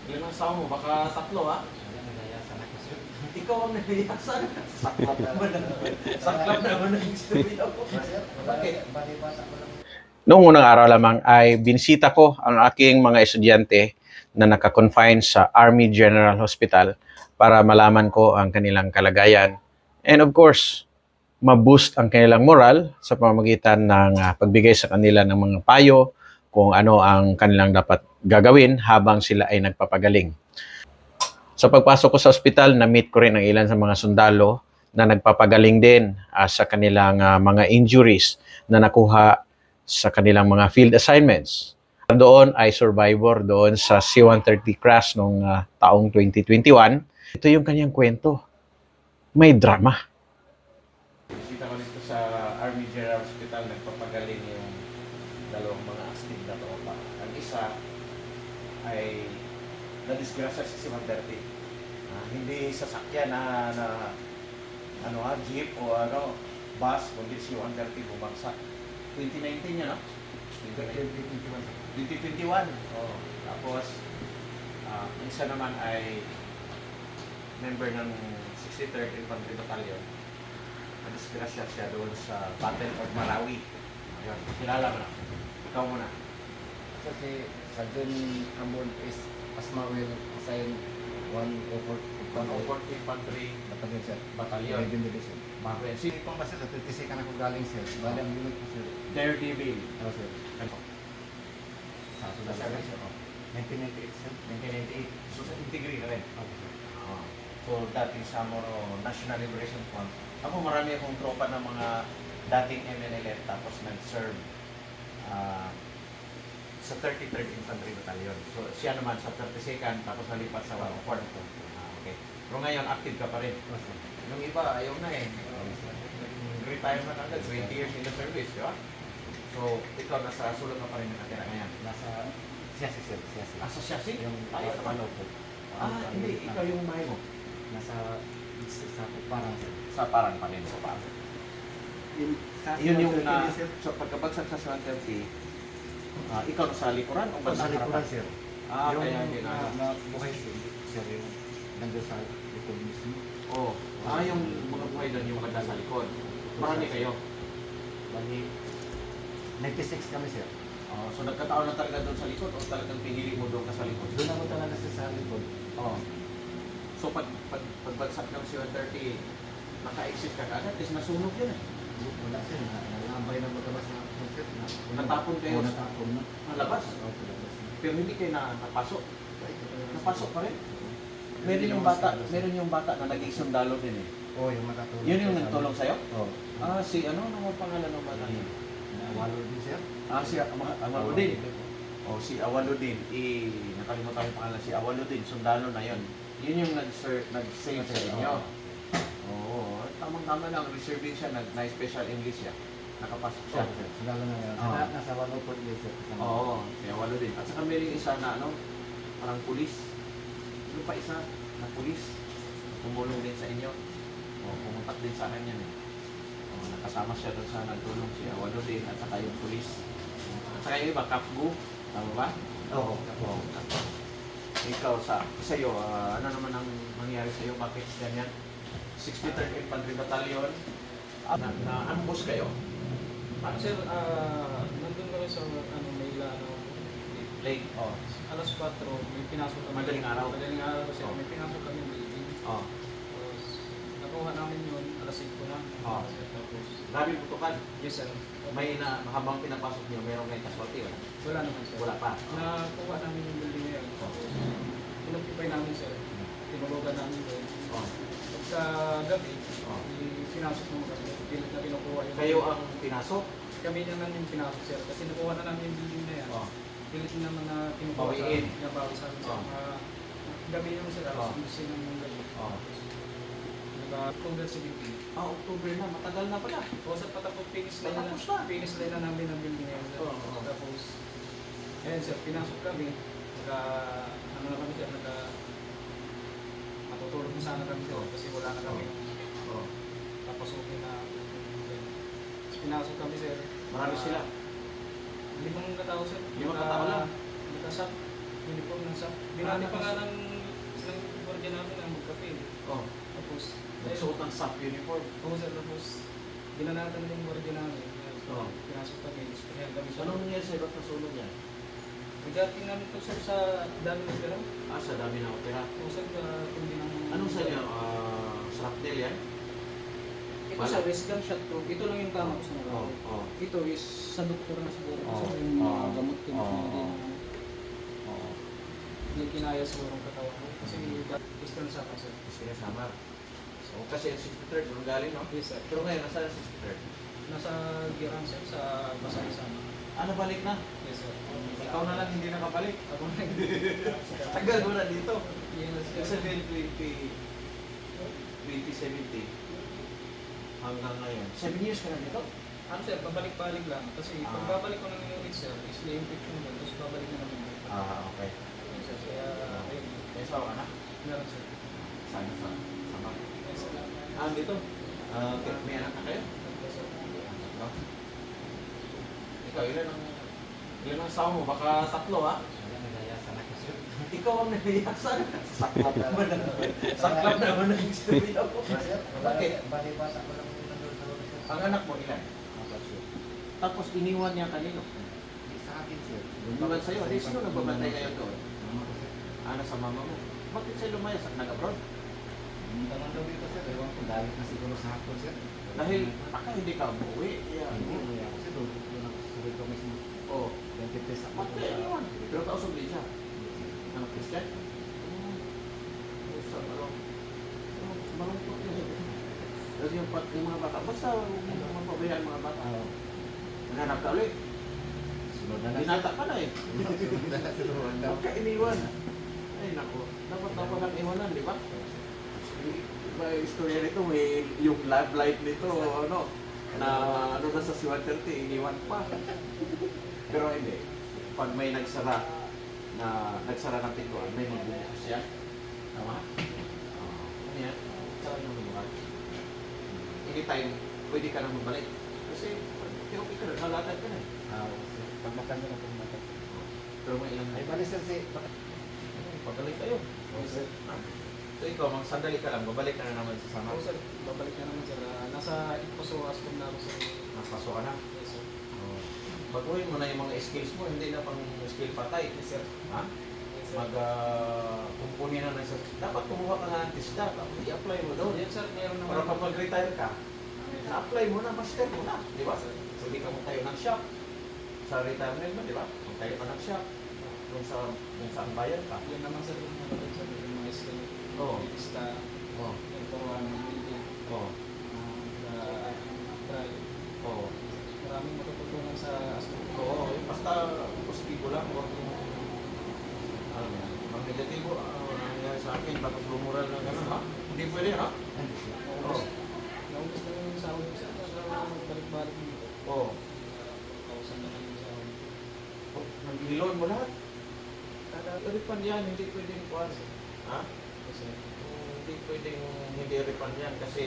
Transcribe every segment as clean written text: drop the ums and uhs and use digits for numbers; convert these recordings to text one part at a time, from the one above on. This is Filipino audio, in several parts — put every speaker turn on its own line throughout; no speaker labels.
Ilan ang asawa mo? Baka tatlo, ha?
Wala, nagayasan ako, sir.
Ikaw ang nahiyasan. Saklap naman ang istorya ko. Bakit?
Bali-bata ko lang.
Noong unang araw lamang ay binisita ko ang aking mga estudyante na naka-confine sa Army General Hospital para malaman ko ang kanilang kalagayan. And of course, ma-boost ang kanilang moral sa pamamagitan ng pagbigay sa kanila ng mga payo kung ano ang kanilang dapat gagawin habang sila ay nagpapagaling. Sa pagpasok ko sa ospital, na-meet ko rin ang ilan sa mga sundalo na nagpapagaling din sa kanilang mga injuries na nakuha sa kanilang mga field assignments. Doon ay survivor doon sa C-130 crash noong taong 2021. Ito yung kanyang kwento. May drama.
Bisita ko dito sa Army General Hospital, nagpapagaling yung dalawang mga astig na tropa. Ang isa ay na-disgrasya sa C-130. Hindi sasakyan na jeep o bus, kundi C-130 bumagsak. 2019 yan, no? 2021. Oh. Tapos, ang isa naman ay member ng 63rd Infantry Battalion. Na-disgrasya siya doon sa Battle of Marawi. Ayun, kilala mo na. Ikaw muna.
Kasi Sergeant Ambon is Asmawil assigned
104th Infantry
Battalion, sir.
Battalion.
Arabian Division.
Bago yan.
Hindi ko kasi sa 36 ka na ko galing, sir. Bali ang unit ko, sir.
Daredevil.
Ano, sir? Sa
Sa service, oh.
1998, sir.
1998. So, sa Integri ka rin.
Okay, sir.
So, dating Samoro National Liberation Front. Ako marami akong tropa ng mga dating MNLF tapos nag-serve sa 33rd Infantry Battalion. So, siya naman sa 32nd tapos nalipat sa 104th. Okay. Pero ngayon, active ka pa rin.
Okay, sir.
Yung iba, ayaw na eh. Retirement agad, 20 years in the service, di ba? So, ikaw nasa sulod ka pa rin nakatira ngayon.
Nasa Siyasi, sir. Siyasi.
Sa Siasi?
Yung
Ay,
ano po.
hindi. Ikaw yung mahay mo.
Nasa parang, sir.
Sa parang pa rin. Sa parang. Yun yung so pagkabagsak sa 130, ikaw sa likuran o
Sa
bandang
likuran,
harapan?
sir.
Kaya
Yung
hindi na.
na buhay, sir, yung nandun sa likod mismo.
Oh, yung mga buhay doon, yung maganda sa likod. Marami kayo.
Bali, 96 kami, sir.
So nagkataon na talaga doon sa likod o talagang pinili mo doon ka sa likod?
Doon ako talaga sa likod.
Oh. So pagbagsak ng C-130, naka-exit ka agad kasi nasunog yun eh.
Wala, sir. Nalambay na magkabas na ako, sir.
Natapon kayo?
Natapon na.
Malabas?
Opo, labas na.
Pero hindi kayo napasok. Napasok pa rin? Meron yung bata na naging sundalo din eh.
Oo, yung makatulong.
Yun yung nagtulong sa'yo?
Oo.
Si ano ang pangalan ng bata niya?
Walo din, sir.
Si Awaludin. Si Awaludin. Nakalimutan ko yung pangalan. Si Awaludin, sundalo na yun. Yun yung nag-save sa inyo. Oo. Tamang-tama lang. Reserving siya. Na-special English siya. Nakapasok siya.
Lalo na yan.
Oo.
Nasa walo po din, sir.
Oo. Si Awaludin. At saka may isa na parang pulis. Yung pa isa na pulis. Tumulong din sa inyo. Pumuntak din sa akin yan eh. Nakasama siya doon sa nagtulong si Awaludin at saka yung pulis. At saka yung iba, Kapgu. Tama ba?
Oo.
Oo. Ikaw, sa'yo, ano naman ang mangyari sa'yo? Bakit ganyan? 63rd Infantry Battalion. Na-ambush kayo?
Sir, nandun kami sa Mayla,
Late. Oh.
alas 4, may pinasok kami.
Madaling araw?
Madaling araw kasi may pinasok kami ng building.
Oh.
Tapos, nakuha namin yun, alas 5 na.
Oh.
Tapos,
Grabe putukan.
yes sir.
May habang pinapasok niyo, mayroong may casualty, wala?
Wala naman sir.
Wala pa.
Nakuha namin yung building na yun. Tapos, pinag-ipay namin sir. Tinulugan namin doon.
Oh.
Pagka gabi,
Oh.
pinasok mo kami. Pilit na kinukuha yung
Kayo ang pinasok?
Kami naman yung pinasok sir. Kasi nakuha na namin yung building na yan.
Oh.
Pilit naman na kinukuha sa
Bawiin.
nabawi sa amin.
Oh.
Gabi naman sila,
Oh.
gusto ng gabi.
Oh.
October 17.
October na. Matagal na pala.
O sa patapos finish line
Patapos na.
finish line na namin ang building ngayon.
Oo, oo.
Tapos, ayun sir, pinasok kami. Ano na kami sir, matutulog na sana kami sir kasi wala na kami.
Oh.
Tapos okay na. Tapos pinasok kami sir.
Marami sila.
5 katao sir.
5 katao lang?
Nagkasap. uniform ng SAP. Binati pa nga ng gwardiya namin ang magkape.
Oh,
Tapos,
nagsuot ng SAP uniform.
Oo sir, tapos binanatan yung gwardiya namin.
Oo.
Pinasok kami. Kaya kami sa
Anong nangyari sa'yo? Ba't nasunog yan?
Pagdating namin to sir sa dami ng pera.
Sa dami ng opera.
Oo sir, kundi ng...
Anong sa inyo? Shrapnel yan?
Ito sir, is gunshot proof. Ito lang yung tama ko sa mga.
Oo.
Ito is sa doktor na siguro.
Oo.
Kasi yung mga
Oo.
gamot din
Oo.
hindi na
Oo.
hindi kinaya siguro ang katawan ko. Kasi gusto na sa akin sir.
Kasi kasama. So, kasi yung 63rd, doon galing, no?
Yes sir.
Pero ngayon, nasa 63rd?
Nasa Giran sir, sa Pasay-Sama.
Ano, balik na?
Yes sir.
Ikaw na lang hindi nakabalik.
Ako na
Tagal mo na dito.
Yes sir.
Kasi 2070 hanggang ngayon. 7 years ka na dito?
Ano sir, pabalik-balik lang. Kasi
Ah.
pag babalik ko ng unit sir, is na-infection mo. Tapos babalik na naman.
Okay.
Yes, sir. Kaya, ayun.
May asawa ka na?
Meron sir.
Sana sa sama.
Yes sir.
Dito? Okay. May anak na kayo?
Yes, sir.
No? Ikaw, ilan ang asawa mo? Baka 3, ha?
Wala, nagayasan ako sir.
Ikaw ang nahiyasan. Saklap naman. Saklap naman ang istorya mo. Bakit?
Bali-basa ko lang yung nandun sa ulo sir.
Ang anak mo, ilan?
Apat sir.
Tapos iniwan niya kanino?
Di sa akin sir.
Iniwan sa'yo. Di sino nagbabantay kayo doon?
Mama ko sir.
Sa mama mo. Bakit sa'yo lumayas at nag-abroad?
Hindi naman daw dito sir. Ewan ko, galit na siguro sa hapon sir.
Dahil baka hindi ka umuwi.
Hindi, umuwi ako sir. Doon ako sa sarili ko mismo.
Oo.
23 ako.
Bakit iniwan? Pero kausap din siya. Ano, Christian? Usap, malungkot yun. Kasi yung mga bata, basta huwag mo mapabayaan mga bata. Nanganap ka ulit.
Sunod na lang sir.
Binata ka na eh.
Sunod na lang sir.
Huwag ka iniwan. Ay nako, dapat lang iwanan, di ba? May istorya nito, may yung love life nito, ano, na ano na sa Siwan 30, iniwan pa. Pero hindi. Pag may nagsara ng pintuan, may magbubukas siya. Tama? Ano yan? Saan yung magbubukas? Anytime, pwede ka na magbalik. Kasi, okay ka na, halatag ka na.
Pag makan na pag
Pero may ilang
Ay, bali sir, si...
pagalik kayo.
Oo, sir.
So ikaw, sandali ka lang, babalik ka na naman sa sama.
Oo sir, babalik na naman sir. Nasa Iposo Ascom na ako sir.
Napaso ka na.
Yes sir.
Baguhin mo na yung mga skills mo, hindi na pang skill patay.
Yes sir.
Ha?
Yes sir.
Kumpuni na sa... Dapat kumuha ka nga ng TISDA, tapos i-apply mo doon.
Yes sir, meron naman.
Para pag mag-retire ka, na-apply mo na, master mo na. Di ba? Pwede ka magtayo ng shop. Sa retirement mo, di ba? Magtayo ka ng shop. Kung saan bayan ka.
Yan naman sir, yung mga sir, yung mga skill.
Oo.
Pista,
Oo.
yung turuan ng building,
Oo.
drive.
Oo.
Maraming matututungan sa Ascom.
Oo. Basta positibo lang. Huwag mo... Ano yan? Ang negatibo, nangyari sa akin, bakit lumural na gano'n, ha? Hindi pwede, ha? Oo.
Naubos na yung sahod ko sir, para balik-balik dito.
Oo.
Kausan na kami sa sahod.
Nag-loan mo lahat. Refund yan, hindi pwedeng kuhan. Ha?
Kasi,
Hindi pwedeng hindi refund yan kasi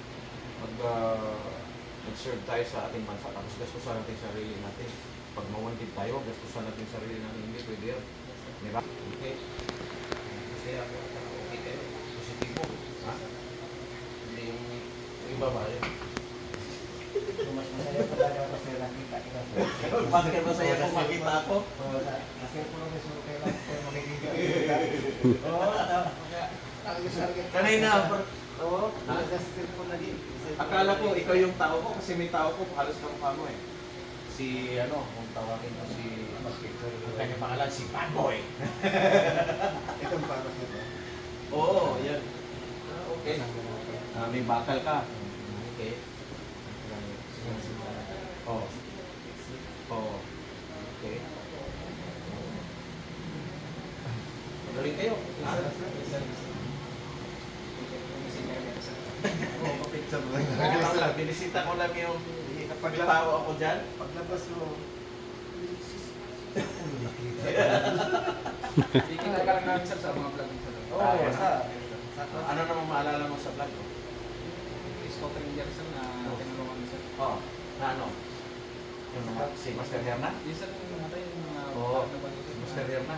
mag-serve tayo sa ating bansa tapos gastusan natin sarili natin. Pag mawantid tayo, gastusan natin sarili natin. Hindi pwede yan. Di ba? Okay. Kasi ako, okay kayo. Positibo. Ha? Hindi yung iba ba yun?
Mas masaya pa talaga ako sir, nakita kita sir.
Bakit masaya kung makita ako?
Oo, kasi po lang gusto ko kayo lang po magiging Oo,
Kanina, oo.
Nasa po na din.
Akala ko ikaw yung tao ko kasi may tao ko halos kamukha mo eh. Si ano, kung tawagin ko si ang kanyang pangalan si Bad Boy.
Itong para sir.
Oo, yan. Okay. May bakal ka. Okay. Oo. Oo. Okay. Magaling kayo. Ha?
Oo, mapicture mo.
Ito lang, binisita ko lang yung pagtao ako dyan.
Paglabas mo,
Kikita ka lang namin sir sa mga vlog sir.
Oo,
sa
Ano naman maalala mo sa vlog ko?
Scott Ranger sir na tinulungan sir.
Oo. Na ano? Yung si Master Herna?
Yes sir, yung namatay yung mga
Oo.
na ba
Si Master Herna.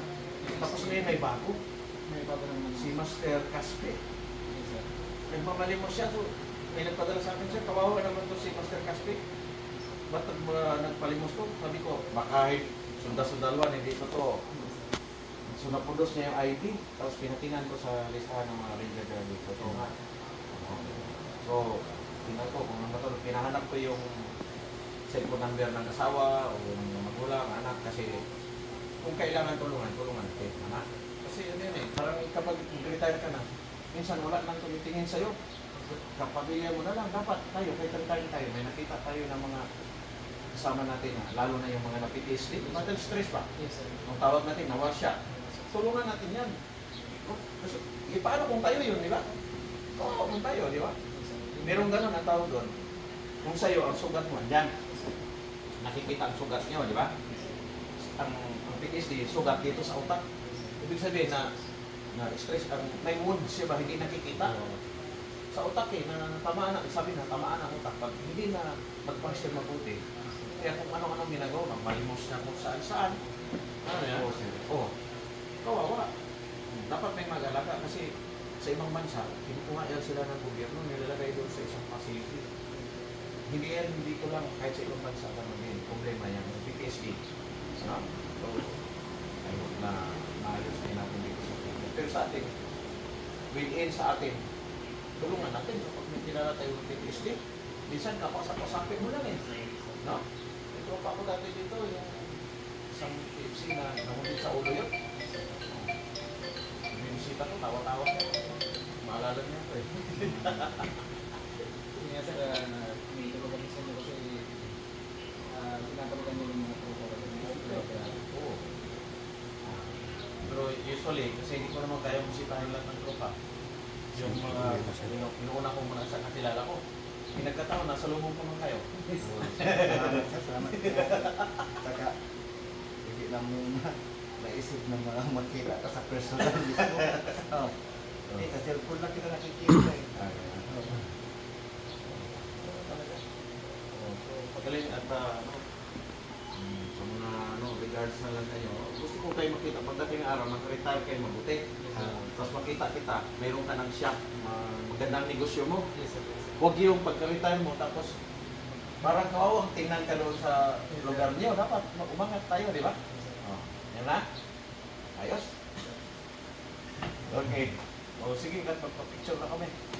Tapos ngayon may bago,
May bago naman.
si Master Caspe.
Yes, sir.
Nagmamalimos siya, so may nagpadala sa akin siya, kawawa naman to si Master Caspe. Ba't nagpalimos to? Sabi ko, baka sunda-sundalwan, hindi pa to. So napundos niya yung ID, tapos pinatingnan ko sa listahan ng mga ranger guard dito. Ito nga. So, tingnan ko kung ano to, pinahanap ko yung cellphone number ng asawa o ng magulang, anak, kasi kung kailangan tulungan natin, anak. Kasi ano yun eh, parang kapag retire ka na, minsan wala nang tumitingin sa'yo. Kapamilya mo na lang, dapat tayo, kahit retire tayo, may nakita tayo ng mga kasama natin, lalo na yung mga na-PTSD, mental stress pa.
Yes, sir.
Ang tawag natin, nawasya. Tulungan natin yan. Kasi, paano kung tayo yun, di ba? Oo, kung tayo, di ba? Merong ganun ang tawag doon. Kung sa'yo, ang sugat mo, andyan. Nakikita ang sugat niyo, di ba? Ang PTSD, sugat dito sa utak. Ibig sabihin na stress, may wound siya ba, hindi nakikita. Sa utak eh, na tamaan na, sabi na, tamaan ang utak. Pag hindi na mag-function mabuti, kaya kung ano-ano ginagawa, malimos na kung saan-saan. Ano yan? Oo. Kawawa. Dapat may mag-alaga kasi sa ibang bansa, kinukuha yan sila ng gobyerno, nilalagay doon sa isang facility. Hindi ko lang, kahit sa ibang bansa, din problema yan, PTSD. No? So, I hope na maayos din natin dito sa Pilipinas. Pero sa atin, within sa atin, tulungan natin kapag may kilala tayo ng PTSD. Minsan, kapasak-pasapin mo lang eh. No? Ito pa ako dati dito, yung isang TFC na namundin sa ulo yun. Binisita ko, tawa-tawa niya. Maalala niya ako eh.
Kaya sir, may tulungan din sa inyo kasi pinapalitan niyo yung mga tropa ko.
Oo. Pero usually, kasi hindi ko naman kaya bisitahin lahat ng tropa. Yung mga, inuuna ko muna sa kakilala ko. Pinagkataon, nasa lubong ko man kayo.
Salamat. Saka, hindi lang mo naisip na mga makita ka sa personal mismo. Oh. Hindi, sa cellphone lang kita nakikita eh.
So, pagaling at sa mga regards na lang kayo, gusto ko kayo makita pagdating ng araw, mag-retire kayo mabuti. Tapos makita kita, mayroon ka ng shop, magandang negosyo mo.
Yes, sir.
Huwag yung pagka-retire mo, tapos parang kawawang tingnan ka doon sa lugar niyo. Dapat umangat tayo, di ba? Oh, yan na? Ayos? Okay. O sige, magpapicture na kami.